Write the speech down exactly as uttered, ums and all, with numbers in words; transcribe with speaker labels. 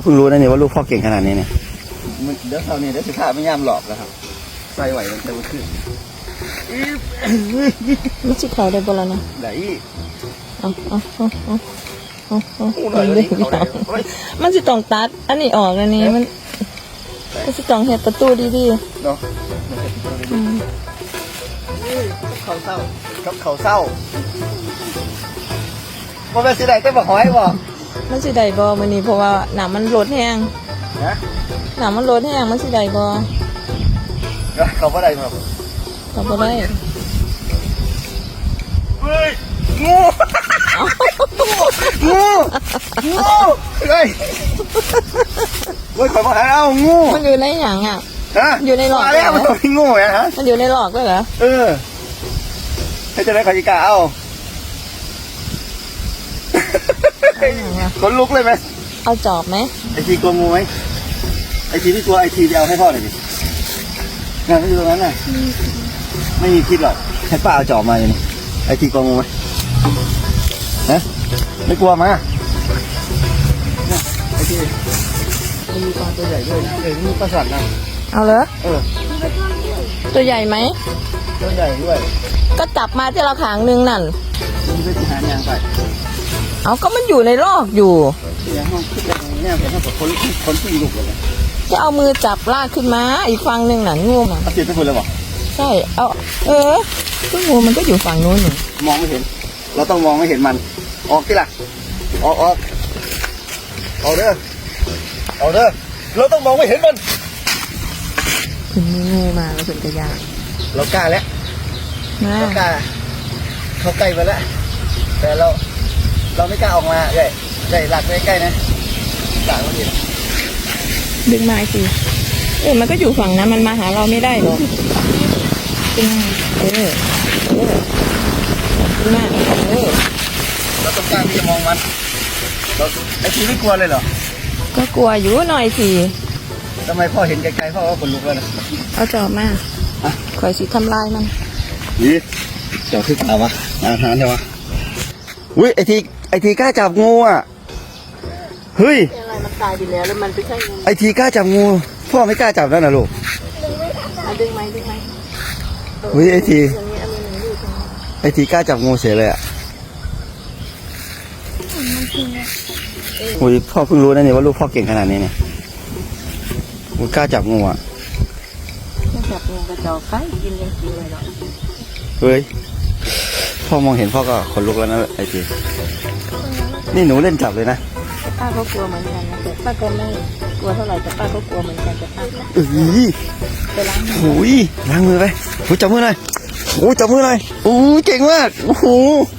Speaker 1: พิ่งรู้นะเนี่ยว่าลูกพ่อเก่งขนาดนี้เนี่ยเดี๋ยวเท่านี้เดี๋ยวสิข้าไม่ย่ามหลอกแล้วครับใส่ไหวมันจะขึ้น
Speaker 2: มันสิเขาได้บ่ล่ะนะ
Speaker 1: ได้
Speaker 2: เอาเอาเอาเอาเอาเอามันเรื่องมันสิต้องตัดอันนี้ออกอันนี้มันมันสิต้องเฮ็ดประตูดีๆ
Speaker 1: เนาะเขาเศร้ากับเขาเศร้าบ่เป็นสิได้แต่บ่หอยบ่
Speaker 2: มันสิได้บ่มื้อนี้เพราะว่าน้ำมันลดแห้ง
Speaker 1: นะ
Speaker 2: น้ำมันลดแห้งมันสิได้บ่
Speaker 1: เขาบ่ได้ครับ
Speaker 2: เขาบ่ได้
Speaker 1: เฮ้ยงูงูงูเฮ้ยเฮ้ยขอมาหาเอางู
Speaker 2: มันอยู่ในหยังอ่ะ
Speaker 1: ฮะ
Speaker 2: อยู่ในหลอด
Speaker 1: มาแล้วมันตัวงูไงฮะ
Speaker 2: มันอยู่ในหลอดด้วยเหรอ
Speaker 1: เออให้จะได้ขอจิกาเอาขนลุกเลยไหม
Speaker 2: เอาจอบไหม
Speaker 1: ไอทีกลัวงูไหมไอทีที่กลัวไอทีเดียวให้พ่อหน่อยดิงานไม่อยู่ตรงนั้นน่ะไม่มีคิดหรอกให้ป้าเอาจอบมาอย่างนี้ไอทีกลัวงูไหมนะไม่กลัวมาไอทีมันมีปลาตัวใหญ่ด้วยเออมีปลาสัตว์นะ
Speaker 2: เอาเลย
Speaker 1: เออ
Speaker 2: ตัวใหญ่ไหม
Speaker 1: ตัวใหญ่ด้วย
Speaker 2: ก็จับมาที่เราขางนึงนั่น
Speaker 1: มันไปหายางไป
Speaker 2: เอาก็มันอยู่ในรอกอยู่
Speaker 1: เนี่ยห้องคิดอะไรเนี่ยเป็นห้องคนคนที่ลุกเลย
Speaker 2: จะเอามือจับลากขึ้นมาอีกฝั่งหนึ่งน่ะงูมัน
Speaker 1: ติดไปคนเลยบอก
Speaker 2: ใช่เอาเออก็งูมันก็อยู่ฝั่งนู้นอยู่
Speaker 1: มองไม่เห็นเราต้องมองไม่เห็นมันออกที่ละออกออกเอาเด้อเอาเด้อเราต้องมองไม่เห็นมัน
Speaker 2: ถึงมีงูมาแล้วถึงจะยาก
Speaker 1: เรากล้าแล้วเรากล้าเขาใกล้มาแล้วแต่เราเราไม่กล้าออกมาใหญ่ใหญ่หลักใกล้ๆนะหลักเราเห็น
Speaker 2: ดึงมาสิเออมันก็อยู่ฝั่งนั้นมันมาหาเราไม่ได้หรอกดึงเออเออดึงมาเออ
Speaker 1: เราต้องกล้าที่จะมองมันเราไอ้ทีไม่กลัวเลยเหรอ
Speaker 2: ก็กลัวอยู่หน่อยสิ
Speaker 1: ทำไมพ่อเห็นไกลๆพ่อก็ขนลุกแล้วนะ
Speaker 2: เอาจอบมาคอยสิทำลายมัน
Speaker 1: นี่เจ้าขึ้นมาวะอาหารใช่ไหมอุ้ยไอทีไอทีกล้าจับงูอ่ะเฮ้ย
Speaker 2: อะไรมันตายไปแล้วแล้วมันไม่ใช่งู
Speaker 1: ไอทีกล้าจับงูพ่อไม่กล้าจับแล้วนะลูก
Speaker 2: ดึงไหมดึงไหม
Speaker 1: เฮ้ยไอทีไอทีกล้าจับงูเสียเลยอ่ะอุ้ยพ่อเพิ่งรู้นะเนี่ยว่าลูกพ่อเก่งขนาดนี้เนี่ยมันกล้าจับงูอ่ะ
Speaker 2: จับงูกระจอกไปกินยังกินเลยหรอ
Speaker 1: เฮ้ยพ่อมองเห็นพ่อก็ขนลุกแล้วนะไอทีนี่หนูเล่นจับเลยนะ
Speaker 2: ป้าก็กลัวเหมือนกันนะแต่ป้าก็ไม่กลัวเท่าไหร่แต่ป้าก็กลัวเหมือนกันแต่ป้า
Speaker 1: เอ้ย
Speaker 2: ไปล้าง
Speaker 1: มือล้างมือไปโอ้ยจับมือหน่อยโอ้ยจับมือหน่อยโอ้ยเก่งมากโอ้โห